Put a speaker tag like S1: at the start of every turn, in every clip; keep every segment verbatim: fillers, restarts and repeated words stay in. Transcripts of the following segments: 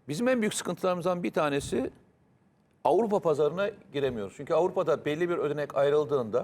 S1: Bizim en büyük sıkıntılarımızdan bir tanesi Avrupa pazarına giremiyoruz. Çünkü Avrupa'da belli bir ödenek ayrıldığında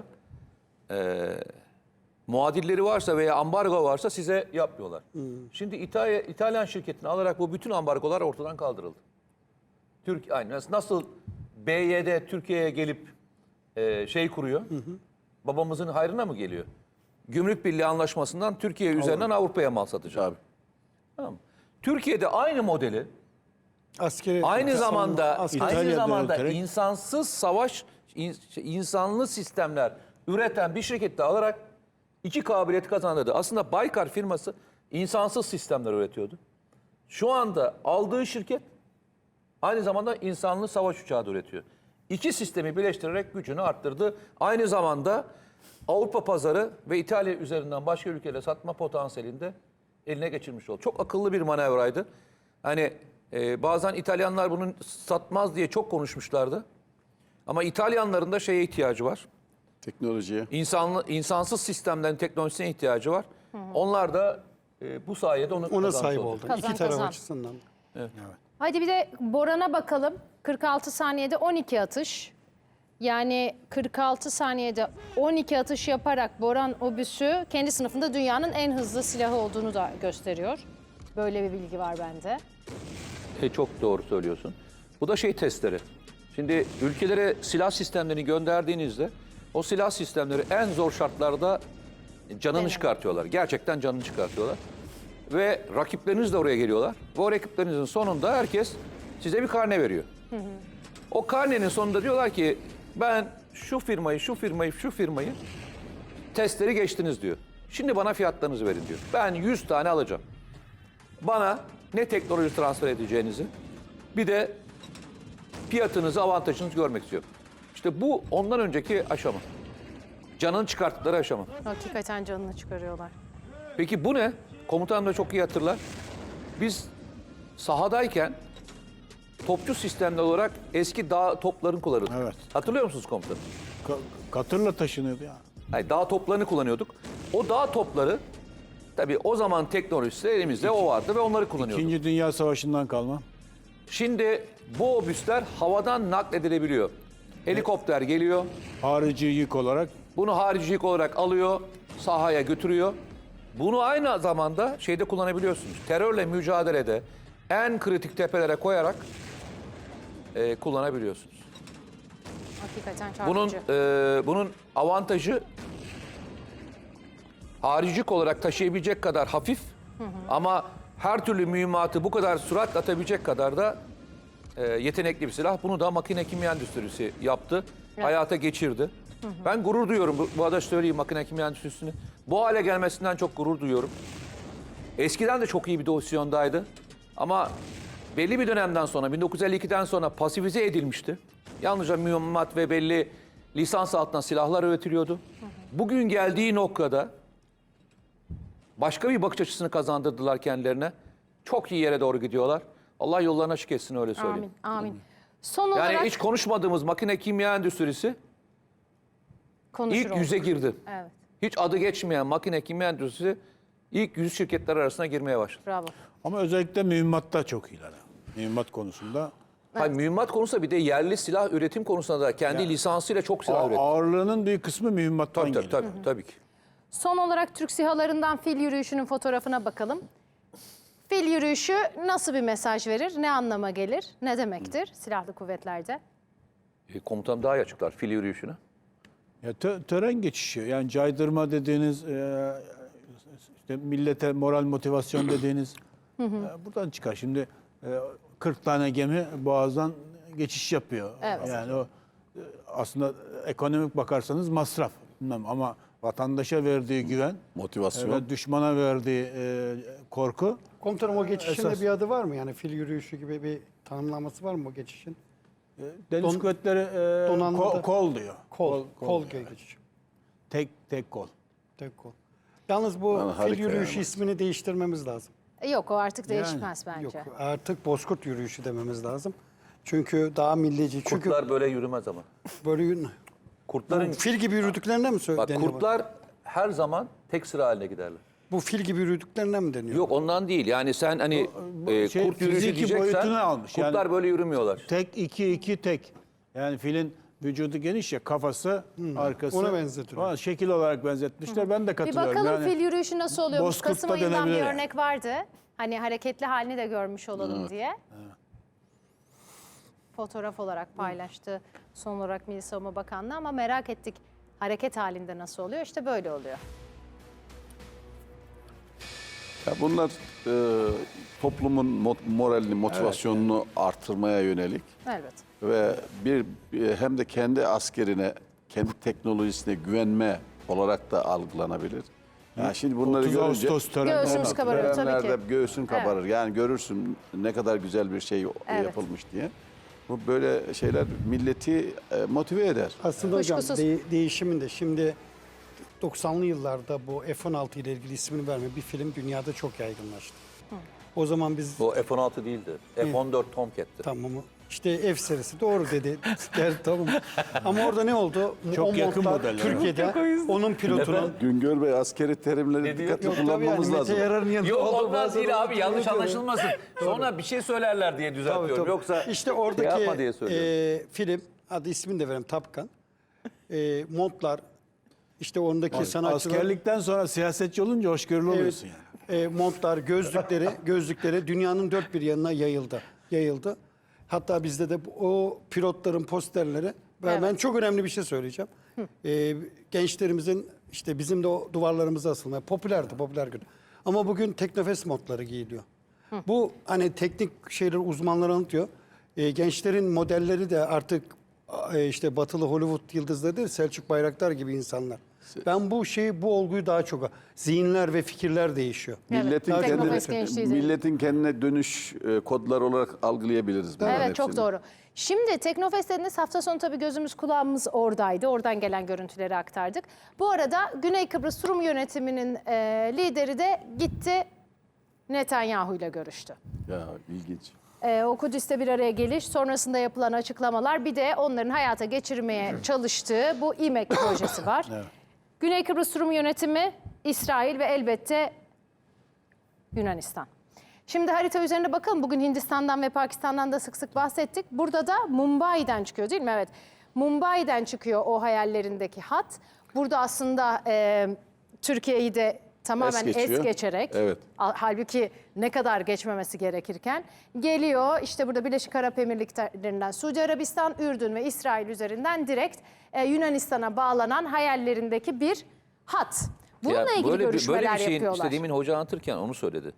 S1: e, muadilleri varsa veya ambargo varsa size yapmıyorlar. Hmm. Şimdi İtalya, İtalyan şirketini alarak bu bütün ambargolar ortadan kaldırıldı. Türk aynı nasıl B Y D Türkiye'ye gelip e, şey kuruyor. Hı hı. Babamızın hayrına mı geliyor? Gümrük Birliği Anlaşması'ndan Türkiye üzerinden Avrupa'ya mal satacak. Tamam. Türkiye'de aynı modeli
S2: Askeri,
S1: aynı zamanda
S2: askeri,
S1: aynı zamanda
S2: yöneterek,
S1: insansız savaş insanlı sistemler üreten bir şirkette alarak iki kabiliyeti kazandırdı. Aslında Baykar firması insansız sistemler üretiyordu. Şu anda aldığı şirket aynı zamanda insanlı savaş uçağı da üretiyor. İki sistemi birleştirerek gücünü arttırdı. Aynı zamanda Avrupa pazarı ve İtalya üzerinden başka ülkelere satma potansiyelini de eline geçirmiş oldu. Çok akıllı bir manevraydı. Hani e, bazen İtalyanlar bunu satmaz diye çok konuşmuşlardı. Ama İtalyanların da şeye ihtiyacı var.
S3: Teknolojiye.
S1: İnsanlı, insansız sistemlerin teknolojisine ihtiyacı var. Hı hı. Onlar da e, bu sayede onu
S2: ona sahip oldu.
S4: Kazan,
S2: İki taraf
S4: kazan.
S2: açısından.
S1: Evet.
S2: Evet.
S4: Hadi bir de Boran'a bakalım. kırk altı saniyede on iki atış. Yani kırk altı saniyede on iki atış yaparak Boran obüsü kendi sınıfında dünyanın en hızlı silahı olduğunu da gösteriyor. Böyle bir bilgi var bende.
S1: E, çok doğru söylüyorsun. Bu da şey testleri. Şimdi ülkelere silah sistemlerini gönderdiğinizde o silah sistemleri en zor şartlarda canını
S4: Evet.
S1: çıkartıyorlar. Gerçekten canını çıkartıyorlar. Ve rakipleriniz de oraya geliyorlar. Ve o rakiplerinizin sonunda herkes size bir karne veriyor. Hı hı. O karnenin sonunda diyorlar ki ben şu firmayı, şu firmayı, şu firmayı testleri geçtiniz diyor. Şimdi bana fiyatlarınızı verin diyor. Ben yüz tane alacağım. Bana ne teknoloji transfer edeceğinizi bir de fiyatınızı, avantajınızı görmek istiyorum. İşte bu ondan önceki aşama. Canını çıkarttıkları aşama.
S4: Hakikaten canını çıkarıyorlar.
S1: Peki bu ne? Komutanım da çok iyi hatırlar. Biz sahadayken topçu sistemli olarak eski dağ toplarını kullanırdık.
S3: Evet.
S1: Hatırlıyor musunuz komutanım?
S3: Ka- katırla taşınıyordu ya.
S1: Hayır, dağ toplarını kullanıyorduk. O dağ topları tabii o zaman teknolojisi elimizde o vardı ve onları kullanıyorduk.
S3: İkinci Dünya Savaşı'ndan kalma.
S1: Şimdi bu obüsler havadan nakledilebiliyor. Helikopter geliyor,
S3: Harici yük olarak
S1: bunu haricilik olarak alıyor, sahaya götürüyor. Bunu aynı zamanda şeyde kullanabiliyorsunuz. Terörle mücadelede en kritik tepelere koyarak e, kullanabiliyorsunuz.
S4: Hakikaten
S1: Bunun
S4: çarpıcı.
S1: e, bunun avantajı haricilik olarak taşıyabilecek kadar hafif, hı hı. ama her türlü mühimmatı bu kadar sürat atabilecek kadar da e, yetenekli bir silah. Bunu da makine kimya endüstrisi yaptı, evet. hayata geçirdi. Hı hı. Ben gurur duyuyorum, bu, bu arada söyleyeyim makine kimya endüstrisini. Bu hale gelmesinden çok gurur duyuyorum. Eskiden de çok iyi bir pozisyondaydı ama belli bir dönemden sonra, bin dokuz yüz elli ikiden sonra pasifize edilmişti. Yalnızca mühimmat ve belli lisans altına silahlar üretiliyordu. Hı hı. Bugün geldiği noktada başka bir bakış açısını kazandırdılar kendilerine. Çok iyi yere doğru gidiyorlar. Allah yollarını açık etsin, öyle söyleyeyim.
S4: Amin, amin. Son
S1: Yani
S4: olarak
S1: hiç konuşmadığımız makine kimya endüstrisi
S4: konuşur
S1: ilk yüze
S4: olduk.
S1: girdi.
S4: Evet,
S1: Hiç adı geçmeyen makine kimya endüstrisi ilk yüz şirketler arasına girmeye başladı.
S4: bravo.
S3: ama özellikle mühimmatta çok iyiler. Mühimmat konusunda.
S1: Hayır, mühimmat konusunda bir de yerli silah üretim konusunda da kendi
S3: Yani,
S1: lisansıyla çok silah
S3: A-
S1: üretti.
S3: ağırlığının büyük kısmı mühimmattan
S1: Tabii tabii,
S3: geliyor.
S1: tabii, tabii ki.
S4: Son olarak Türk SİHA'larından fil yürüyüşünün fotoğrafına bakalım. Fil yürüyüşü nasıl bir mesaj verir? Ne anlama gelir? Ne demektir silahlı kuvvetlerde?
S1: E, komutanım daha iyi açıklar fil yürüyüşünü.
S3: Ya tö- tören geçişi, yani caydırma dediğiniz, e, işte millete moral motivasyon dediğiniz e, buradan çıkar. Şimdi e, kırk tane gemi boğazdan geçiş yapıyor.
S4: Evet.
S3: Yani o e, aslında ekonomik bakarsanız masraf. Bilmem, ama vatandaşa verdiği güven,
S5: Motivasyon.
S3: e, ve düşmana verdiği e, korku.
S2: Komutanım, o geçişin
S3: Esas.
S2: de bir adı var mı? Yani fil yürüyüşü gibi bir tanımlaması var mı o geçişin?
S3: E, Deniz
S2: Don-
S3: kuvvetleri e,
S2: donanmada-
S3: kol, kol diyor.
S2: Kol, kol, geçişi.
S3: Tek tek kol.
S2: Tek kol. Yalnız bu
S5: Lan
S2: fil
S5: harika
S2: yürüyüşü
S5: yani.
S2: ismini değiştirmemiz lazım.
S4: E, Yok, o artık
S3: Yani,
S4: değişmez bence.
S2: Yok, artık bozkurt yürüyüşü dememiz lazım. Çünkü daha millici. Çünkü
S1: Kurtlar böyle yürümez ama.
S2: böyle yürü-
S1: Kurtların
S2: fil gibi yürüdüklerine mi
S1: bak
S2: söyleniyor?
S1: kurtlar her zaman tek sıra haline giderler.
S2: Bu fil gibi yürüdüklerine mi deniyor?
S1: Yok ondan değil. Yani sen hani
S3: Bu
S1: e,
S3: şey,
S1: kurt yürüyüşü
S3: fiziki
S1: diyeceksen
S3: boyutunu almış.
S1: kurtlar
S3: Yani-
S1: böyle yürümüyorlar.
S3: Tek iki iki tek. Yani filin vücudu geniş ya, kafası, arkası.
S2: ona benzetiyor.
S3: Aa, şekil olarak benzetmişler. Ben de
S4: Bir
S3: katılıyorum.
S4: bakalım
S3: yani,
S4: fil yürüyüşü nasıl oluyormuş.
S3: Bozkurt'ta
S4: Kasım ayından bir
S3: denebilir yani.
S4: örnek vardı. Hani hareketli halini de görmüş olalım diye. Fotoğraf olarak paylaştı son olarak Milli Savunma Bakanlığı ama merak ettik hareket halinde nasıl oluyor? İşte böyle oluyor.
S5: Ya bunlar e, toplumun mo- moralini, motivasyonunu artırmaya yönelik
S4: Evet.
S5: ve bir bir- hem de kendi askerine, kendi teknolojisine güvenme olarak da algılanabilir. Yani şimdi bunları
S3: otuz
S5: görünce
S3: Ağustos töreni.
S4: Göğsümüz kabarıyor tabii
S5: törenlerde
S4: ki.
S5: göğsün kabarır. Yani görürsün ne kadar güzel bir şey
S4: Evet.
S5: yapılmış diye. Bu böyle şeyler milleti e, motive eder.
S2: Aslında hocam
S4: Kuşkusuz.
S2: de- değişimin de şimdi doksanlı yıllarda bu F on altı ile ilgili ismini verme bir film dünyada çok yaygınlaştı. O zaman biz
S1: Bu F on altı değildi. F on dört Tomcat'ti.
S2: tamam işte F serisi doğru dedi. Der, tamam. Ama orada ne oldu?
S3: Çok
S2: o
S3: yakın
S2: montlar
S3: modeller.
S2: Türkiye'de onun pilotunu
S5: Güngör Bey askeri terimleri dikkatli
S2: yok tabii yani
S5: kullanmamız
S2: Mete
S5: lazım.
S2: Yarar'ın yanında
S1: Yok
S2: oldu,
S1: ondan
S2: bazen
S1: değil abi
S2: onu
S1: yanlış
S2: unutuyorum.
S1: anlaşılmasın. Sonra bir şey söylerler diye
S2: Tabii,
S1: düzeltiyorum.
S2: tabii.
S1: Yoksa
S2: işte
S1: şey
S2: oradaki
S1: yapma diye söylüyorum.
S2: e, film adı ismini de vereyim Top Gun. E, montlar işte ondaki sanatçılar
S3: Askerlikten sonra siyasetçi olunca hoşgörülü oluyorsun yani.
S2: e, montlar, gözlükleri, gözlükleri dünyanın dört bir yanına yayıldı. Yayıldı. Hatta bizde de bu- o pilotların posterleri ve
S4: Evet.
S2: ben çok önemli bir şey söyleyeceğim. E, gençlerimizin işte bizim de o duvarlarımıza asılmaya popülerdi, popüler gün. Ama bugün Teknofest montları giyiliyor. Bu hani teknik şeyler uzmanları anlatıyor. E, gençlerin modelleri de artık e, işte batılı Hollywood yıldızları değil, Selçuk Bayraktar gibi insanlar. Ben bu şeyi, bu olguyu daha çok zihinler ve fikirler değişiyor.
S5: Milletin
S4: Evet,
S5: kendine,
S4: Teknofest gençliği izledim.
S5: milletin kendine dönüş e, kodları olarak algılayabiliriz. bunların
S4: Evet çok
S5: hepsini.
S4: doğru. Şimdi Teknofest dediniz, hafta sonu tabii gözümüz kulağımız oradaydı. Oradan gelen görüntüleri aktardık. Bu arada Güney Kıbrıs Rum yönetiminin e, lideri de gitti Netanyahu ile görüştü.
S5: Ya ilginç.
S4: E, o Kudüs'te bir araya geliş, sonrasında yapılan açıklamalar, bir de onların hayata geçirmeye çalıştığı bu İMEK projesi var. Güney Kıbrıs Rum yönetimi, İsrail ve elbette Yunanistan. Şimdi harita üzerine bakalım. Bugün Hindistan'dan ve Pakistan'dan da sık sık bahsettik. Burada da Mumbai'den çıkıyor değil mi? Evet. Mumbai'den çıkıyor o hayallerindeki hat. Burada aslında e, Türkiye'yi de tamamen
S5: Es
S4: es,
S5: geçiyor.
S4: geçerek,
S5: Evet.
S4: al- halbuki ne kadar geçmemesi gerekirken geliyor. İşte burada Birleşik Arap Emirlikleri'nden Suudi Arabistan, Ürdün ve İsrail üzerinden direkt e, Yunanistan'a bağlanan hayallerindeki bir hat. Bununla
S1: Ya
S4: ilgili
S1: böyle bir,
S4: görüşmeler
S1: böyle bir şeyin
S4: yapıyorlar.
S1: işte demin hoca anlatırken onu söyledi.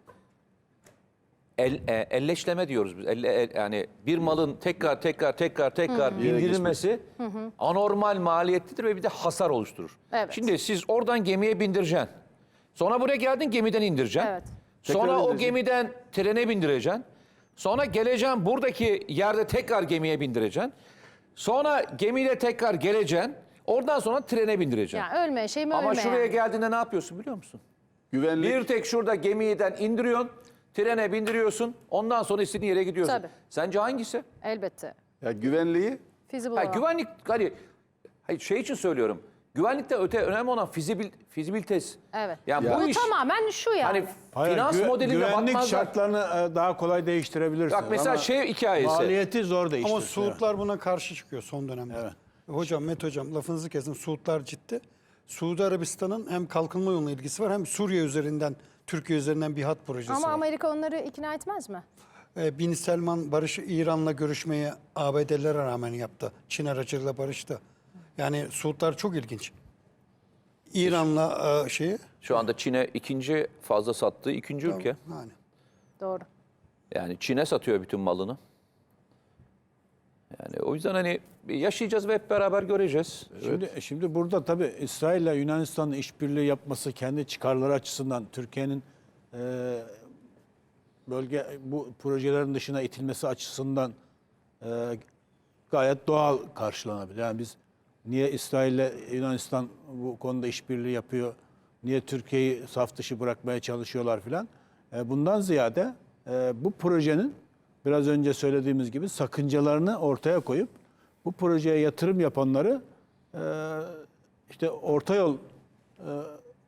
S1: El, e, elleşleme diyoruz biz. Elle- el- yani bir malın tekrar tekrar tekrar tekrar bindirilmesi anormal maliyetlidir ve bir de hasar oluşturur.
S4: Evet.
S1: Şimdi siz oradan gemiye bindireceksin. Sonra buraya geldin gemiden indireceksin.
S4: Evet.
S1: Sonra
S5: Tekrar
S1: o
S5: indireceksin.
S1: gemiden trene bindireceksin. Sonra geleceksin buradaki yerde tekrar gemiye bindireceksin. Sonra gemiyle tekrar geleceksin. Oradan sonra trene bindireceksin.
S4: Yani ölme şey mi
S1: Ama
S4: ölme
S1: şuraya
S4: yani.
S1: geldiğinde ne yapıyorsun biliyor musun?
S5: Güvenlik
S1: Bir tek şurada gemiden indiriyorsun, trene bindiriyorsun, ondan sonra istediğin yere gidiyorsun.
S4: Tabii.
S1: Sence hangisi?
S4: Elbette.
S5: ya güvenliği
S4: Feasible
S1: Ha,
S4: olan.
S1: güvenlik, hani hayır, şey için söylüyorum. Güvenlikte öte önemli olan fizibil, fizibilitesi.
S4: Evet.
S1: Yani
S5: Ya.
S1: bu
S4: Bu
S1: iş
S4: tamamen şu yani.
S1: hani
S3: Hayır,
S1: finans
S3: güve-
S1: modeline
S3: güvenlik
S1: bakmazlar.
S3: şartlarını e, daha kolay değiştirebilirsiniz.
S1: Bak mesela
S3: ama
S1: şey hikayesi.
S3: maliyeti zor değiştirir.
S2: Ama Suudlar buna karşı çıkıyor son dönemde.
S3: Evet.
S2: Hocam, Met hocam lafınızı kesin. Suudlar ciddi. Suudi Arabistan'ın hem kalkınma yoluna ilgisi var hem Suriye üzerinden, Türkiye üzerinden bir hat projesi
S4: Ama
S2: var.
S4: Amerika onları ikna etmez mi?
S2: Ee, Bin Selman barış İran'la görüşmeyi A B D'lere rağmen yaptı. Çin aracılığıyla barıştı. Yani Suudlar çok ilginç. İran'la e, şeyi
S1: Şu anda Çin'e ikinci fazla sattığı ikinci ülke.
S2: yani.
S4: Doğru.
S1: Yani Çin'e satıyor bütün malını. Yani o yüzden hani yaşayacağız ve hep beraber göreceğiz.
S3: Şimdi, şimdi burada tabii İsrail ile Yunanistan'ın işbirliği yapması kendi çıkarları açısından Türkiye'nin e, bölge bu projelerin dışına itilmesi açısından e, gayet doğal karşılanabilir. Yani biz niye İsrail ile Yunanistan bu konuda işbirliği yapıyor, niye Türkiye'yi saf dışı bırakmaya çalışıyorlar filan. E, bundan ziyade e, bu projenin biraz önce söylediğimiz gibi sakıncalarını ortaya koyup bu projeye yatırım yapanları e, işte orta yol e,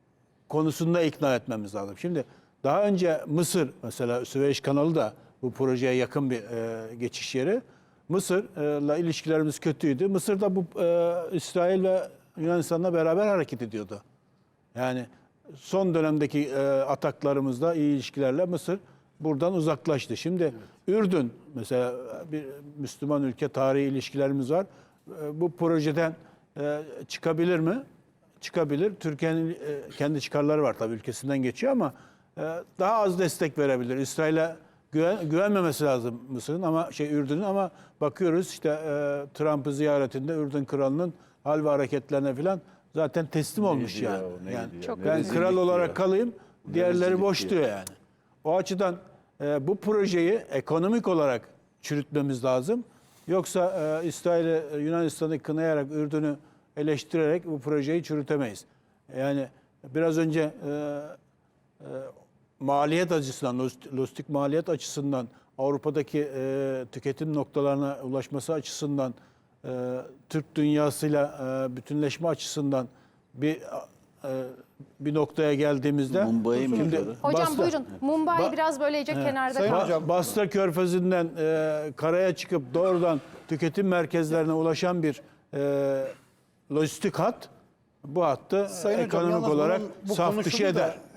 S3: konusunda ikna etmemiz lazım. Şimdi daha önce Mısır mesela Süveyş kanalı da bu projeye yakın bir e, geçiş yeri. Mısır'la ilişkilerimiz kötüydü. Mısır da bu e, İsrail ve Yunanistan'la beraber hareket ediyordu. Yani son dönemdeki e, ataklarımızda iyi ilişkilerle Mısır buradan uzaklaştı. Şimdi Ürdün mesela bir Müslüman ülke, tarihi ilişkilerimiz var. E, bu projeden e, çıkabilir mi? Çıkabilir. Türkiye'nin e, kendi çıkarları var tabii, ülkesinden geçiyor ama e, daha az destek verebilir. İsrail'e güven, güvenmemesi lazım Mısır'ın ama şey Ürdün'ün, ama bakıyoruz işte e, Trump'ı ziyaretinde Ürdün kralının hal ve hareketlerine falan zaten teslim olmuş
S5: Neydi ya
S3: yani.
S5: o, neydi
S3: yani
S5: ya?
S4: Çok
S5: Ne
S3: ben
S5: rezillik
S3: kral olarak
S5: ya.
S3: kalayım, diğerleri
S5: rezillik
S3: boş
S5: ya.
S3: diyor yani. O açıdan e, bu projeyi ekonomik olarak çürütmemiz lazım. Yoksa e, İsrail'i, e, Yunanistan'ı kınayarak, Ürdün'ü eleştirerek bu projeyi çürütemeyiz. Yani biraz önce e, e, maliyet açısından, lojistik- lojistik maliyet açısından, Avrupa'daki e, tüketim noktalarına ulaşması açısından, e, Türk dünyasıyla e, bütünleşme açısından bir e, bir noktaya geldiğimizde
S5: Mumbai'yi mi
S3: şimdi
S5: diyordu?
S4: Hocam
S3: Basra-
S4: buyurun. Mumbai
S3: Ba-
S4: biraz böylece kenarda
S2: Sayın
S4: kaldı.
S2: hocam.
S3: Basra Körfezi'nden e, karaya çıkıp doğrudan tüketim merkezlerine ulaşan bir e, lojistik hat, bu hattı
S2: Sayın hocam,
S3: ekonomik
S2: yalnız
S3: olarak
S2: bunun- bu
S3: saf
S2: konuşuldu
S3: dışı
S2: da
S3: eder.